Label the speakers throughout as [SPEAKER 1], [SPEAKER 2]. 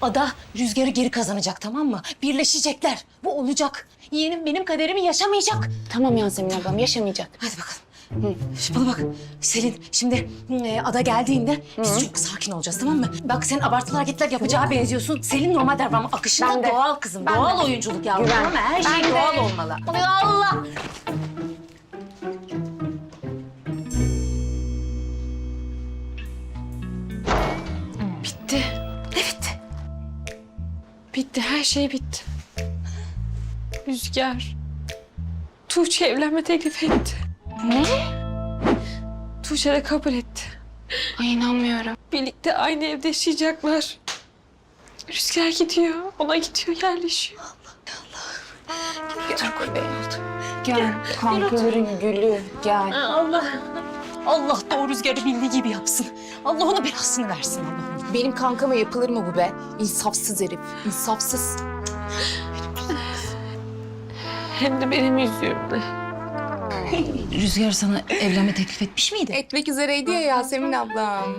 [SPEAKER 1] Ada Rüzgar'ı geri kazanacak, tamam mı? Birleşecekler. Bu olacak. Yeğenim benim kaderimi yaşamayacak.
[SPEAKER 2] Tamam Yasemin ablam, yaşamayacak.
[SPEAKER 1] Hadi bakalım. Şimdi bana bak Selin, şimdi Ada geldiğinde biz çok sakin olacağız, tamam mı? Bak sen abartılı hareketler yapacağı benziyorsun. Selin normal davranma akışında doğal kızım. Doğal oyunculuk yavrum,
[SPEAKER 2] Güven.
[SPEAKER 1] ama her şey doğal olmalı. Allah!
[SPEAKER 3] Bitti.
[SPEAKER 1] Ne bitti?
[SPEAKER 3] Bitti. Her şey bitti. Rüzgar. Tuğçe evlenme teklif etti.
[SPEAKER 2] Ne?
[SPEAKER 3] Tuğçe de kabul etti.
[SPEAKER 2] Ay inanmıyorum.
[SPEAKER 3] Birlikte aynı evde yaşayacaklar. Rüzgar gidiyor. Ona gidiyor, yerleşiyor.
[SPEAKER 2] Gel kankaların gülü gel.
[SPEAKER 1] Allah! Allah da o Rüzgar'ı bildiği gibi yapsın. Allah ona belasını versin Allah'ım.
[SPEAKER 2] Benim kankama yapılır mı bu be? İnsafsız herif, insafsız.
[SPEAKER 3] Hem de benim yüzümle.
[SPEAKER 1] Rüzgar sana evlenme teklif etmiş miydi?
[SPEAKER 2] Etmek üzereydi ya Yasemin ablam.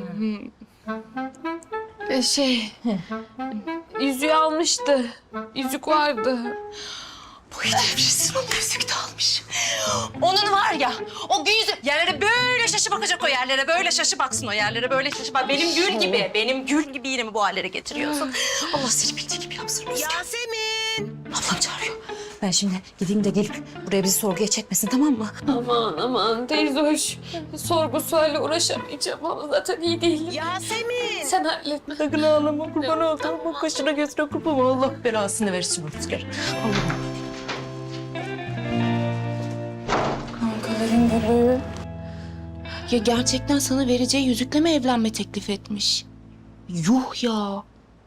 [SPEAKER 3] Yüzüğü almıştı. Yüzük vardı.
[SPEAKER 1] Boyu devrilsin, o yüzük de almış. Onun var ya, o yüzük yerlere böyle şaşı bakacak, o yerlere böyle şaşı baksın, o yerlere böyle şaşı bak. Benim gül gibi, benim gül gibi yine mi bu hallere getiriyorsun? Allah seni bildiği gibi yapsın Rüzgar.
[SPEAKER 4] Yasemin!
[SPEAKER 1] Ablam çağırıyor. Ben şimdi gideyim de gelip buraya bizi sorguya çekmesin, tamam mı?
[SPEAKER 3] Aman teyze hoş. Sorgu sualle uğraşamayacağım ama zaten iyi değilim.
[SPEAKER 4] Yasemin!
[SPEAKER 3] Sen halletme.
[SPEAKER 1] Sakın ağlama, kurban olduğum bu kaşına gözüne kurban. Allah belasını versin Rüzgar. Allah'ım.
[SPEAKER 2] Kankaların gülü. Ya gerçekten sana vereceği yüzükle mi evlenme teklif etmiş? Yuh ya.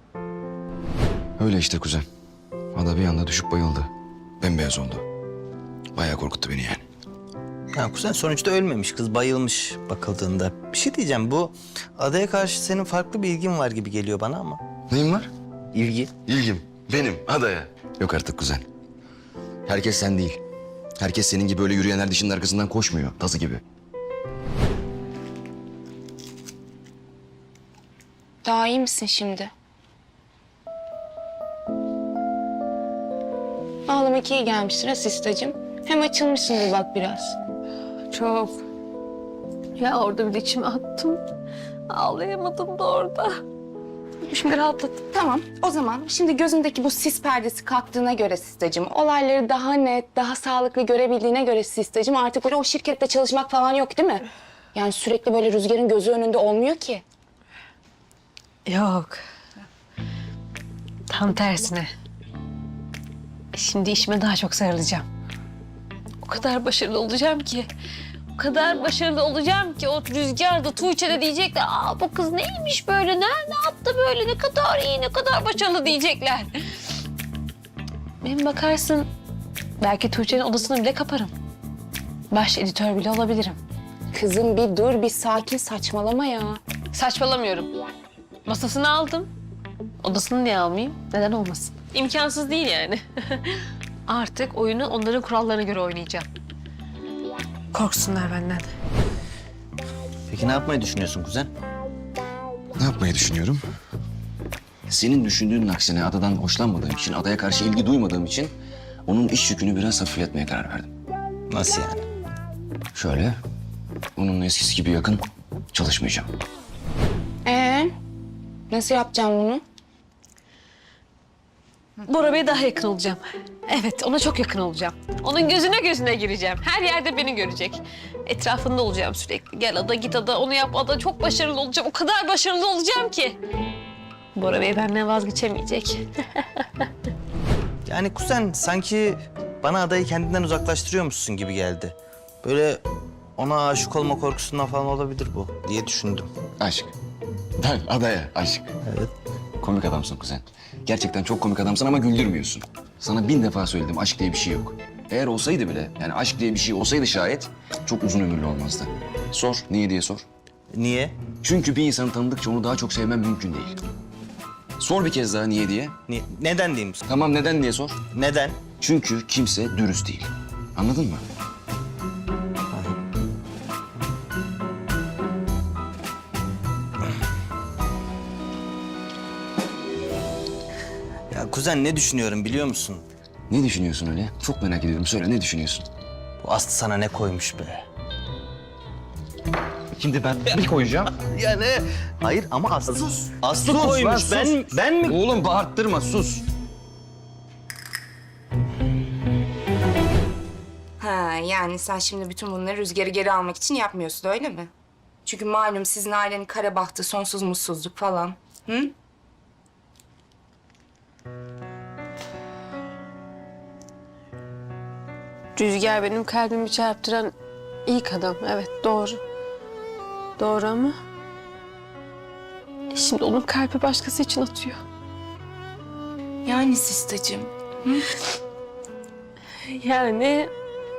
[SPEAKER 5] Öyle işte kuzen. Ada bir anda düşüp bayıldı. Bembeyaz oldu. Bayağı korkuttu beni yani.
[SPEAKER 6] Ya kuzen sonuçta ölmemiş, kız bayılmış bakıldığında. Bir şey diyeceğim, bu adaya karşı senin farklı bir ilgin var gibi geliyor bana ama.
[SPEAKER 5] Neyin var?
[SPEAKER 6] İlgi?
[SPEAKER 5] İlgim. Benim adaya. Yok artık kuzen. Herkes sen değil. Herkes senin gibi öyle yürüyenler dişinin arkasından koşmuyor. Tazı gibi.
[SPEAKER 2] Daha iyi misin şimdi? Ağlamak iyi gelmiştir asistacığım. Hem açılmışsındır bak biraz.
[SPEAKER 3] Çok. Ya orada bir de içime attım. Ağlayamadım da orada. Şimdi rahatladım.
[SPEAKER 2] Tamam, o zaman şimdi gözündeki bu sis perdesi kalktığına göre Sistacığım, olayları daha net, daha sağlıklı görebildiğine göre Sistacığım, artık böyle o şirkette çalışmak falan yok değil mi? Yani sürekli böyle Rüzgar'ın gözü önünde olmuyor ki.
[SPEAKER 3] Yok. Tam tersine. Şimdi işime daha çok sarılacağım. O kadar başarılı olacağım ki. O kadar başarılı olacağım ki o Rüzgar da Tuğçe de diyecekler. Aa bu kız neymiş böyle, ne yaptı böyle, ne kadar iyi, ne kadar başarılı diyecekler. Benim bakarsın belki Tuğçe'nin odasını bile kaparım. Baş editör bile olabilirim.
[SPEAKER 2] Kızım bir dur, bir sakin, saçmalama ya.
[SPEAKER 3] Saçmalamıyorum. Masasını aldım. Odasını niye almayayım? Neden olmasın? İmkansız değil yani. Artık oyunu onların kurallarına göre oynayacağım. Korksunlar benden.
[SPEAKER 6] Peki ne yapmayı düşünüyorsun kuzen?
[SPEAKER 5] Ne yapmayı düşünüyorum? Senin düşündüğünün aksine adadan hoşlanmadığım için, adaya karşı ilgi duymadığım için onun iş yükünü biraz hafifletmeye karar verdim.
[SPEAKER 6] Nasıl yani?
[SPEAKER 5] Şöyle, onunla eskisi gibi yakın çalışmayacağım.
[SPEAKER 2] Nasıl yapacağım bunu?
[SPEAKER 3] Bora Bey'e daha yakın olacağım. Evet, ona çok yakın olacağım. Onun gözüne gireceğim. Her yerde beni görecek. Etrafında olacağım sürekli. Gel ada, git ada, onu yap ada. Çok başarılı olacağım. O kadar başarılı olacağım ki. Bora Bey benden vazgeçemeyecek.
[SPEAKER 6] Yani kuzen sanki bana adayı kendinden uzaklaştırıyormuşsun gibi geldi. Böyle ona aşık olma korkusundan falan olabilir bu diye düşündüm.
[SPEAKER 5] Aşk. Ben adaya aşk.
[SPEAKER 6] Evet.
[SPEAKER 5] Komik adamsın kuzen. Gerçekten çok komik adamsın ama güldürmüyorsun. Sana 1000 defa söyledim, aşk diye bir şey yok. Eğer olsaydı bile, yani aşk diye bir şey olsaydı şayet çok uzun ömürlü olmazdı. Sor, niye diye sor.
[SPEAKER 6] Niye?
[SPEAKER 5] Çünkü bir insanı tanıdıkça onu daha çok sevmem mümkün değil. Sor bir kez daha niye diye.
[SPEAKER 6] Neden diyeyim?
[SPEAKER 5] Tamam neden diye sor.
[SPEAKER 6] Neden?
[SPEAKER 5] Çünkü kimse dürüst değil. Anladın mı?
[SPEAKER 6] Ya kuzen ne düşünüyorum biliyor musun?
[SPEAKER 5] Ne düşünüyorsun öyle? Çok merak ediyorum. Söyle ne düşünüyorsun?
[SPEAKER 6] Bu Aslı sana ne koymuş be?
[SPEAKER 5] Şimdi ben bir koyacağım.
[SPEAKER 6] Ya ne? Hayır ama Aslı.
[SPEAKER 5] Sus.
[SPEAKER 6] Aslı
[SPEAKER 5] Sus
[SPEAKER 6] koymuş.
[SPEAKER 5] lan, sus.
[SPEAKER 6] Ben mi?
[SPEAKER 5] Oğlum bağırttırma sus.
[SPEAKER 2] Ha yani sen şimdi bütün bunları Rüzgar'ı geri almak için yapmıyorsun öyle mi? Çünkü malum sizin ailenin kara bahtı, sonsuz mutsuzluk falan. Hı?
[SPEAKER 3] Rüzgar benim kalbimi çarptıran ilk adam. Evet doğru. Doğru ama... Şimdi onun kalbi başkası için atıyor.
[SPEAKER 2] Yani Sistacığım.
[SPEAKER 3] Yani...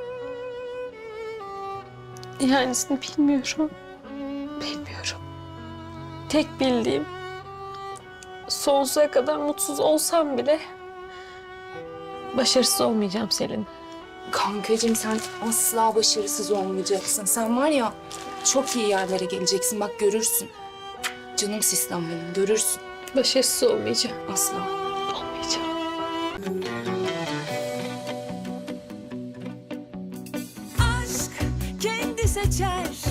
[SPEAKER 3] Yanisini bilmiyorum. Bilmiyorum. Tek bildiğim... Sonsuza kadar mutsuz olsam bile... Başarısız olmayacağım Selin.
[SPEAKER 2] Kankacığım sen asla başarısız olmayacaksın. Sen var ya çok iyi yerlere geleceksin. Bak görürsün. Canım sistem benim görürsün.
[SPEAKER 3] Başarısız olmayacağım.
[SPEAKER 2] Asla.
[SPEAKER 3] Olmayacağım.
[SPEAKER 4] aşk kendi seçer